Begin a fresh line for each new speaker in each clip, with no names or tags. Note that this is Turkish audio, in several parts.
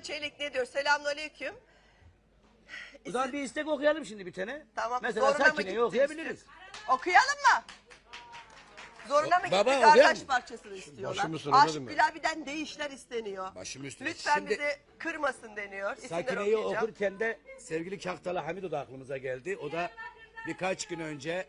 Çelik ne diyor? Selamünaleyküm.
O zaman bir istek okuyalım şimdi bir tane.
Tamam.
Mesela
Zoruna mı
Sakine'yi
gitti
okuyabiliriz.
Okuyalım mı? Zoruna mı
Baba,
gittik?
okuyalım.
Arkadaş parçasını istiyorlar.
Başım üstüne
Aşık
dedim ya.
Gülabi'den değişler isteniyor.
Başım üstüne.
Lütfen
Şimdi-
bizi kırmasın deniyor. İsimleri
Sakine'yi
okuyacağım.
okurken de sevgili Kahtalı Hamid o da aklımıza geldi. O da birkaç gün önce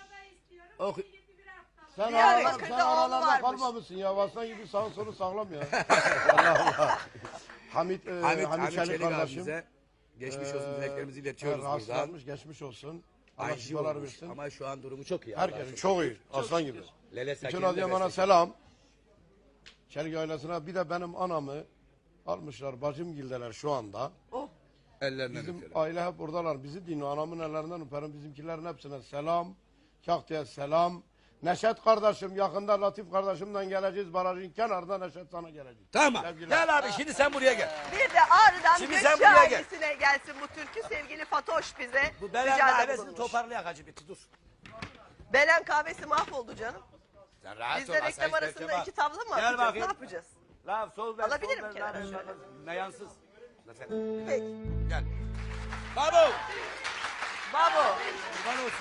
Sen
Diyarbakır'da oğlu
aralarda
varmış.
kalmamışsın ya. Vaslan gibi sağ solu sağlam ya. Allah Allah. Hamit Çelik kardeşim.
abimize geçmiş olsun dileklerimizi iletiyoruz buradan.
Rahatsızlanmış, geçmiş olsun. Allah
Ayşe
şifalar
olmuş
versin.
ama şu an durumu çok iyi. Allah'a
Herkes
şükür.
çok iyi. Aslan gibi.
Lele
Bütün
Sakine'nin de
Adıyaman'a
bestesi.
selam. Çelik ailesine bir de benim anamı almışlar. Bacımgildeler şu anda.
Oh.
Ellerinden
Bizim
öperim.
aile hep buradalar. Bizi dinliyor. Anamın ellerinden öperim. Bizimkilerin hepsine selam. Kahtı'ya selam. Neşet kardeşim yakında Latif kardeşimden geleceğiz. Barajın kenarında Neşet sana gelecek.
Tamam.
Sevgiler.
Gel abi şimdi sen buraya gel.
Bir de Ağrı'dan
Şimdi
Gökçe
sen buraya gel.
ailesine gelsin bu türkü. Sevgili Fatoş bize
Bu Belen
ricada
kahvesini
bulunmuş.
toparlayak hacı bitti dur.
Belen kahvesi mahvoldu canım.
Sen rahat
Biz
ol,
de
asayiş
reklam arasında
bekle bak.
iki tavla mı
Gel
atacağız?
bakayım.
Ne yapacağız?
La sol ver.
Alabilirim
sol ver,
kenara
la,
şöyle.
Meyansız. La sen.
Peki.
Gel. Babu.
Babo
Kurban olsun.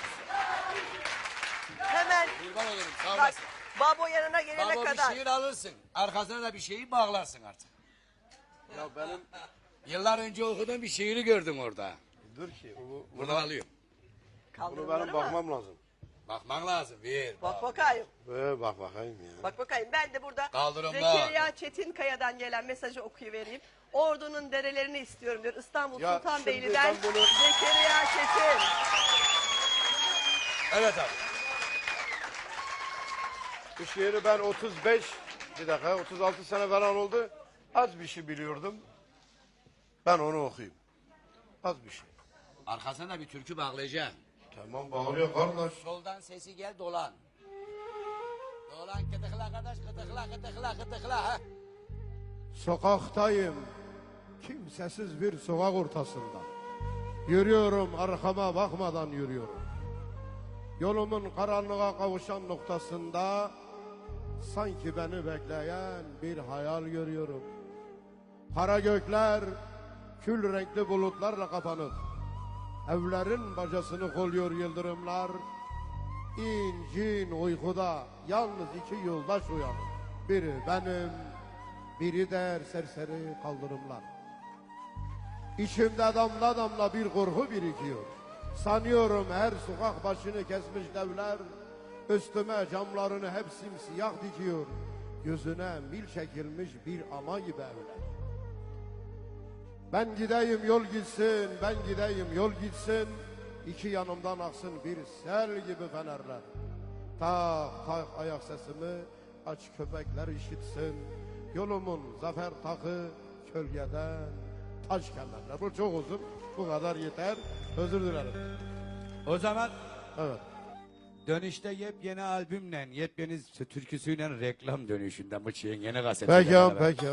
hemen
Kurban olurum sağ
bak,
olasın.
Babo yanına gelene
Baba bir
kadar.
şiir alırsın. Arkasına da bir şeyi bağlarsın artık.
Ya benim
Yıllar önce okuduğum bir şiiri gördüm orada.
dur ki
Buradan alıyorum.
bunu
Kaldırımları
benim
mı?
bakmam lazım.
Bakman lazım. Bir.
Bak bakayım.
Bak bakayım ya.
Bak bakayım. Ben de burada
Kaldırımda.
Zekeriya Çetinkaya'dan gelen mesajı okuyuvereyim. Ordu'nun derelerini istiyorum diyor. İstanbul
Ya
Sultanbeyli'den
şimdi ben bunu-
Zekeriya Çetin.
Evet abi.
Bu şiiri ben 36 sene falan oldu. Az bir şey biliyordum. Ben onu okuyayım. Az bir şey.
Arkasına da bir türkü bağlayacağım.
Tamam bağırıyor kardeş.
Soldan sesi gel dolan. Dolan kıtıkla kardeş kıtıkla kıtıkla kıtıkla. Ha?
Sokaktayım. Kimsesiz bir sokak ortasında. Yürüyorum arkama bakmadan yürüyorum. Yolumun karanlığa kavuşan noktasında sanki beni bekleyen bir hayal görüyorum. Kara gökler kül renkli bulutlarla kapanıp evlerin bacasını kolluyor yıldırımlar. İncin uykuda yalnız iki yoldaş uyanır. Biri benim, biri der serseri kaldırımlar. İçimde damla damla bir korku birikiyor. Sanıyorum her sokak başını kesmiş devler üstüme camlarını hep simsiyah dikiyor. Gözüne mil çekilmiş bir ama gibi evler. Ben gideyim yol gitsin, ben gideyim yol gitsin. İki yanımdan aksın bir sel gibi fenerler. Tak tak ayak sesimi aç köpekler işitsin. Yolumun zafer takı kölgeden taş kemerler. Bu çok uzun, bu kadar yeter. Özür dilerim.
O zaman
Evet.
dönüşte yepyeni albümle, yepyeni türküsüyle reklam dönüşünde bu şeyin yeni kaseti.
Peki.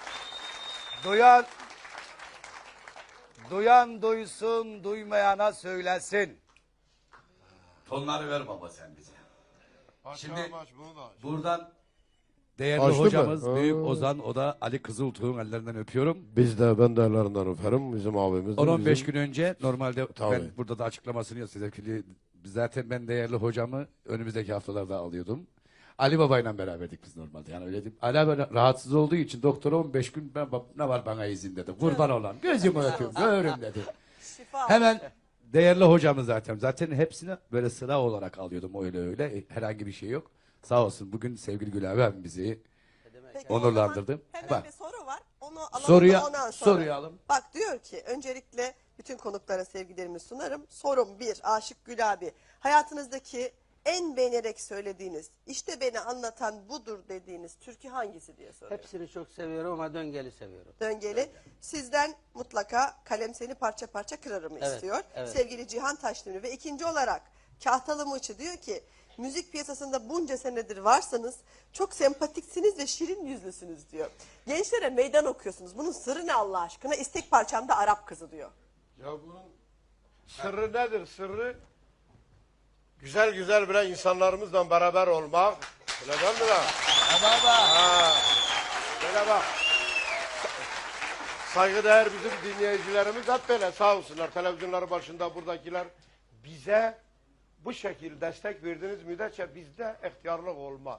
Duyan duysun, duymayana söylesin. Tonları ver baba sen bize. Şimdi buradan değerli
Açtı mı?
hocamız
Ha.
Büyük Ozan, o da Ali Kızıltuğ'un ellerinden öpüyorum.
Ben de ellerinden öperim bizim abimiz.
10-15 gün önce normalde
Tabii.
ben burada da açıklamasını yapacağım. Zaten ben değerli hocamı önümüzdeki haftalarda alıyordum. Ali Baba'yla beraberdik biz normalde. Yani öyle diyeyim. Ali abi rahatsız olduğu için doktora 15 gün ne var bana izin dedi. Kurban olan gözümü öpüyorum görün dedi.
Şifa.
Hemen değerli hocamız zaten. Zaten hepsini böyle sıra olarak alıyordum öyle. Herhangi bir şey yok. Sağ olsun bugün sevgili Gül abi bizi
Peki, o
onurlandırdı.
zaman Hemen
Bak.
bir soru var. Onu alalım
Soruya-
ondan sonra.
soruyu alın.
Bak diyor ki öncelikle bütün konuklara sevgilerimi sunarım. Sorum 1. Aşık Gül abi. Hayatınızdaki en beğenerek söylediğiniz, işte beni anlatan budur dediğiniz türkü hangisi diye soruyorum.
Hepsini çok seviyorum ama döngeli seviyorum.
Döngeli. Sizden mutlaka kalem seni parça parça kırarım
Evet,
istiyor.
evet.
Sevgili Cihan Taşdemir ve ikinci olarak Kahtalı Mıçı diyor ki müzik piyasasında bunca senedir varsanız çok sempatiksiniz ve şirin yüzlüsünüz diyor. Gençlere meydan okuyorsunuz. Bunun sırrı ne Allah aşkına? İstek parçamda Arap kızı diyor.
Ya bunun sırrı nedir? Sırrı güzel güzel bilen insanlarımızla beraber olmak. Öyle değil mi lan?
Baba.
Ha. Böyle bak. Saygıdeğer bizim dinleyicilerimiz hep böyle sağ olsunlar. Televizyonların başında buradakiler bize bu şekilde destek verdiğiniz müddetçe bizde ihtiyarlık olmaz.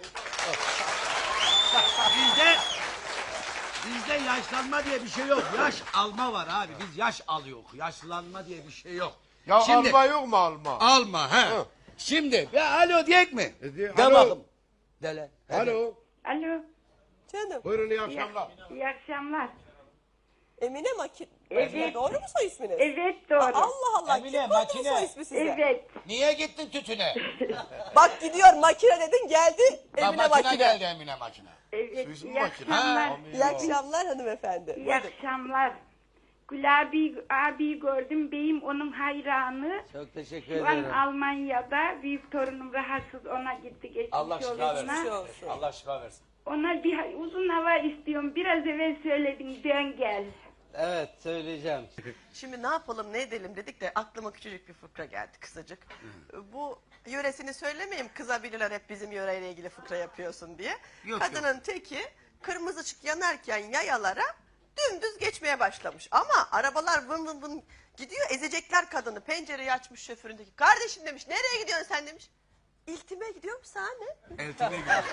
Bizde yaşlanma diye bir şey yok. Yaş alma var abi. Biz yaş alıyoruz. Yaşlanma diye bir şey yok.
Ya
Şimdi-
alma yok mu alma?
Alma he.
Hı.
Şimdi ya alo diyek mi? De
Alo.
bakım. Dele.
Alo.
Alo,
Canım.
Buyurun iyi akşamlar.
iyi akşamlar.
Emine
Evet.
Doğru mu soy isminiz?
Evet doğru.
Allah Allah.
Emine,
Kim koydu bu
makine.
soy ismi size?
Evet.
Niye gittin tütüne?
Bak gidiyor makine dedin geldi. Emine makine.
geldi Emine makine.
Evet.
Su ismi
İyi
makine.
akşamlar.
İyi akşamlar hanımefendi.
İyi
Buyurun.
akşamlar. Gül abi gördüm. Beyim onun hayranı.
Çok teşekkür
Şu an
ederim.
Almanya'da. Büyük torunum rahatsız. Ona gitti geçmiş
Allah şifa
yoluna.
versin.
olsun.
Allah şifa versin.
Ona bir uzun hava istiyorum. Biraz evvel söyledim. Dön gel.
Evet söyleyeceğim.
Şimdi ne yapalım ne edelim dedik de aklıma küçücük bir fıkra geldi kısacık. Bu yöresini söylemeyeyim kızabilirler hep bizim yöreyle ilgili fıkra yapıyorsun diye. Kadının teki kırmızı ışık yanarken yayalara dümdüz geçmeye başlamış. Ama arabalar vın vın vın gidiyor ezecekler kadını. Pencereyi açmış şoföründeki. Kardeşim demiş nereye gidiyorsun sen demiş. İltime gidiyorum sana ne?
Eltime gidiyor.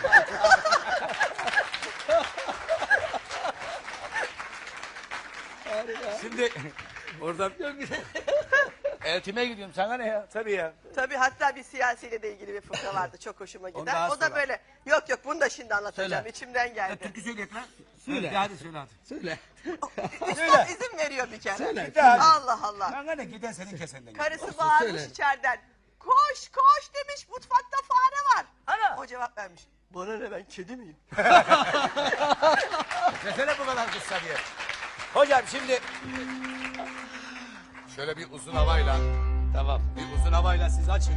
Şimdi oradan eltime gidiyorum sana ne ya? Tabii ya.
Tabii hatta bir siyasiyle de ilgili bir fıkra vardı çok hoşuma gider.
daha
O da
sonra.
böyle yok yok bunu da şimdi anlatacağım
Söyle.
içimden geldi.
Türkü söyleyek lan. Söyle. Hadi söyle hadi. Söyle.
Üstad izin veriyor bir kere.
Söyle.
Allah Allah.
Bana ne giden senin kesenden.
Karısı bağırmış içeriden. Koş koş demiş mutfakta fare var. O cevap vermiş. Bana ne ben kedi miyim?
Desene bu kadar kısa diye. Hocam şimdi şöyle bir uzun havayla tamam bir uzun havayla siz açın.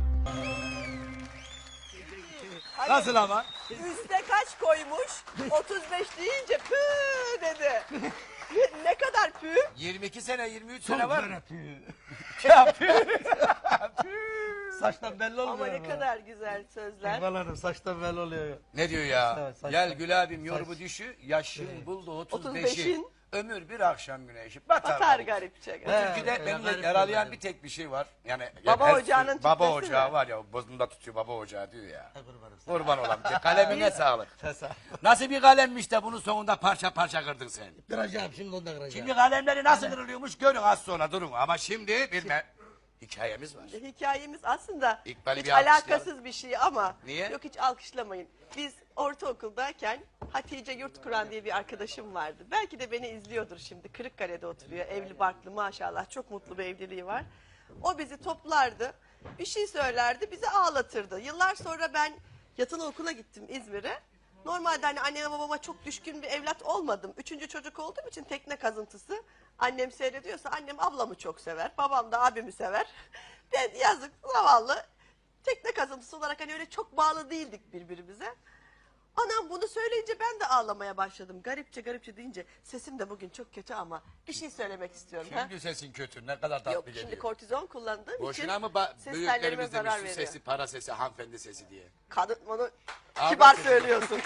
Nasıl ama?
Üste kaç koymuş? 35 deyince pü dedi. Ne kadar pü?
22 sene 23 sene var mı? Ya saçtan belli olmuyor.
Ama ne kadar güzel sözler.
Kurbanlarım saçtan belli oluyor.
Ne diyor ya?
Evet, saçma.
Gel Gül abim yorumu düşü, yaşın buldu 35'i.
35'in.
Ömür bir akşam güneşi. Batar.
Batar garipçe.
Türküde beni yaralayan bir tek bir şey var. Yani
Baba
her-
ocağının
Baba
tüpesi
ocağı
mi?
var ya bozunda tutuyor baba ocağı diyor ya. Kurban olam. Kalemine sağlık. Nasıl bir kalemmiş de bunu sonunda parça parça kırdın sen.
Kıracağım şimdi onu da kıracağım.
Şimdi kalemleri nasıl kırılıyormuş görün az sonra durun. Ama şimdi bilme hikayemiz var.
Hikayemiz aslında
İkbal'i
hiç
bir alkışlayalım.
alakasız bir şey ama
Niye?
yok hiç alkışlamayın. Biz ortaokuldayken Hatice Yurtkuran diye bir arkadaşım vardı. Belki de beni izliyordur şimdi. Kırıkkale'de oturuyor. Evli barklı maşallah. Çok mutlu bir evliliği var. O bizi toplardı. Bir şey söylerdi. Bizi ağlatırdı. Yıllar sonra ben yatılı okula gittim İzmir'e. Normalde hani anneme babama çok düşkün bir evlat olmadım. Üçüncü çocuk olduğum için tekne kazıntısı. Annem seyrediyorsa annem ablamı çok sever. Babam da abimi sever. Ben yazık zavallı tekne kazıntısı olarak hani öyle çok bağlı değildik birbirimize. Anam bunu söyleyince ben de ağlamaya başladım. Garipçe garipçe deyince sesim de bugün çok kötü ama bir şey söylemek istiyorum. ha?
Şimdi sesin kötü ne kadar tatlı
Yok
geliyor.
şimdi kortizon kullandığım
Boşuna
için
mı
ses tellerime
büyüklerimiz demiş
zarar
su
veriyor.
sesi para sesi hanımefendi sesi diye.
Kadın onu
Abi
kibar
sesi.
söylüyorsun.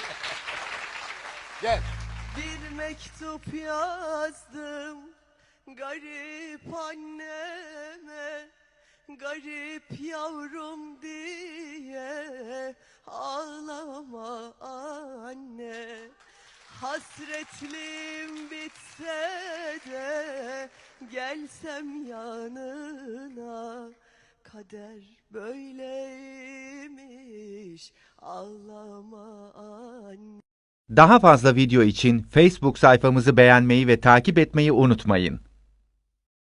Gel.
Bir mektup yazdım garip anneme, garip yavrum diye ağlama anne. Hasretliğim bitse de gelsem yanına, kader böyleymiş ağlama anne.
Daha fazla video için Facebook sayfamızı beğenmeyi ve takip etmeyi unutmayın.